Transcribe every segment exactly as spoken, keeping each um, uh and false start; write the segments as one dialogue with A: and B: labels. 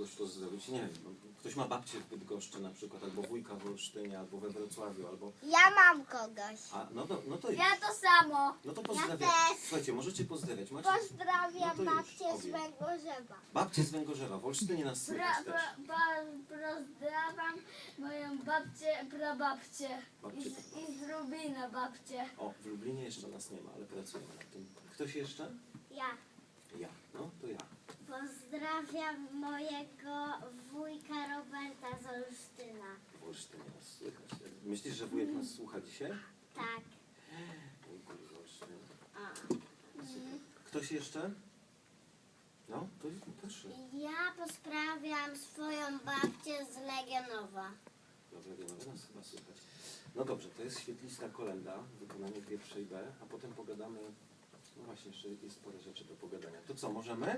A: kogoś pozdrowić? Nie wiem, no, ktoś ma babcię w Bydgoszczy na przykład, albo wujka w Olsztynie, albo we Wrocławiu, albo...
B: Ja mam kogoś.
A: A, no to, no to już.
C: Ja to samo.
A: No to pozdrawiam.
B: też.
A: Słuchajcie, możecie pozdrawiać. Macie...
B: Pozdrawiam
A: No to już,
B: babcię z
A: obie.
B: Węgorzewa.
A: Babcie z Węgorzewa, w Olsztynie nas
C: Pra,
A: słychać też.
C: pra, pra, pozdrawiam moją babcię, prababcię
A: Babcię,
C: i z, i z Rubina babcię.
A: O, w Lublinie jeszcze nas nie ma, ale pracujemy nad tym. Ktoś jeszcze?
B: Ja.
A: Ja. No, to ja.
B: Pozdrawiam mojego wujka Roberta z Olsztyna.
A: W Olsztynie nas słychać. Myślisz, że wujek nas słucha dzisiaj?
B: Tak.
A: Wujku z Olsztyna.
B: A.
A: Super. Ktoś jeszcze? No, to proszę.
B: Ja pozdrawiam swoją babcię z Legionowa.
A: Dobra, nie ma nas chyba słychać. No dobrze, to jest świetlista kolenda, wykonanie pierwszej B, a potem pogadamy. No właśnie, jeszcze jest parę rzeczy do pogadania. To co, możemy?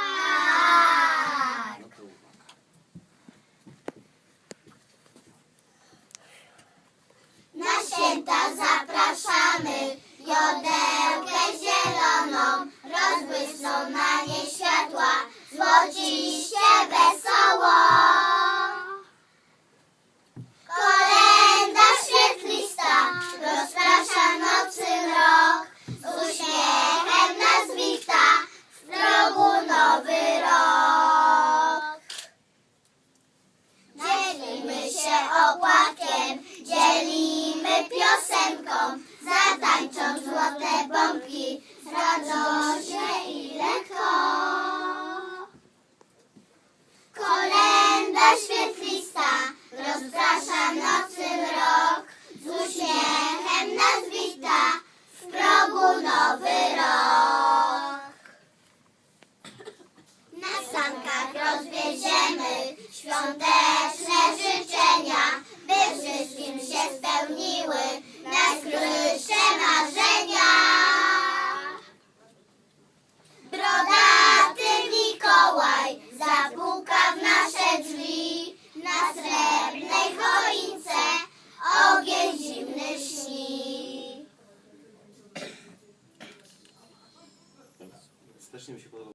B: Tak.
A: No to uwaga.
B: Na święta zapraszamy jodełkę zieloną, rozbłysną na niej światła, złociście wesoło. Kolenda świetlista rozprasza nocy mrok, z uśmiechem nas wita, w progu nowy rok. Dzielimy się opłatkiem, dzielimy piosenką, zatańczą złote bombki, z radośnie i lekko. Kolenda świetlista rozprasza nocy mrok, z uśmiechem nas wita, w progu nowy rok. Na sankach rozwieziemy świąteczne życzenia, by wszystkim się spełniły najskrytsze marzenia. Brodaty Mikołaj zapuka w nasze drzwi, na srebrnej choince ogień zimny śni.
A: Strasznie mi się podoba.